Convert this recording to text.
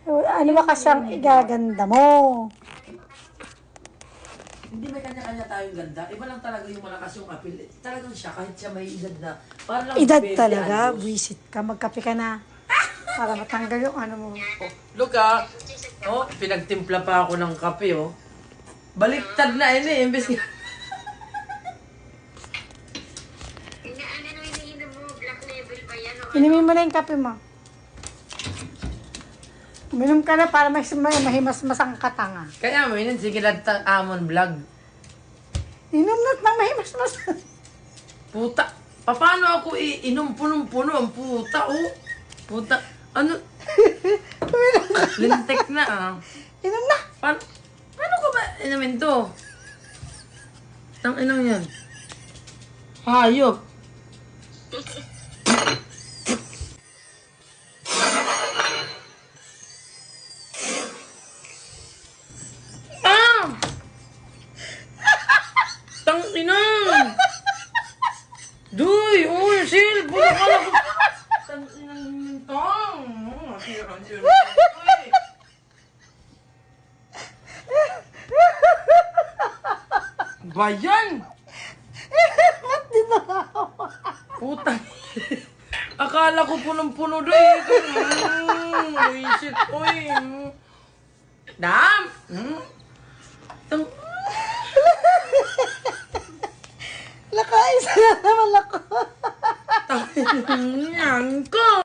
Ano ba kasi ang igaganda mo? Hindi may kanya-kanya tayong ganda. Iba lang talaga yung malakas yung apil. Talagang siya, kahit siya may edad na. Para lang Edad 20 talaga, anyos. buwisit ka, magkape ka na. Para matanggal yung ano mo. Oh, look ah. Oh, pinagtimpla pa ako ng kape oh. Baliktad na ini, imbes nga. Ano iniinom mo? Black label ba yan? O Inumin mo na yung kape mo. Uminom ka na para mahimas-mas ang katanga. Kaya mo yun, sige lang amon vlog. Inom na ng mahimas-mas. Puta. Paano ako iinom punong-puno ang puta oh. Puta. Ano? Lintek na ah. Inom na. Paano ko ba inumin to? Tang inang yan. Hayop. Ah! Tang inang! Duy! Uy! Sil! Buka ka na ko! Tang inang tang! Sira. Bayan! Putang. Akala ko punong-puno doon. Uy, shit. Uy. Dam! Tang... Lakaisa na naman ako. Tang... Yan ko!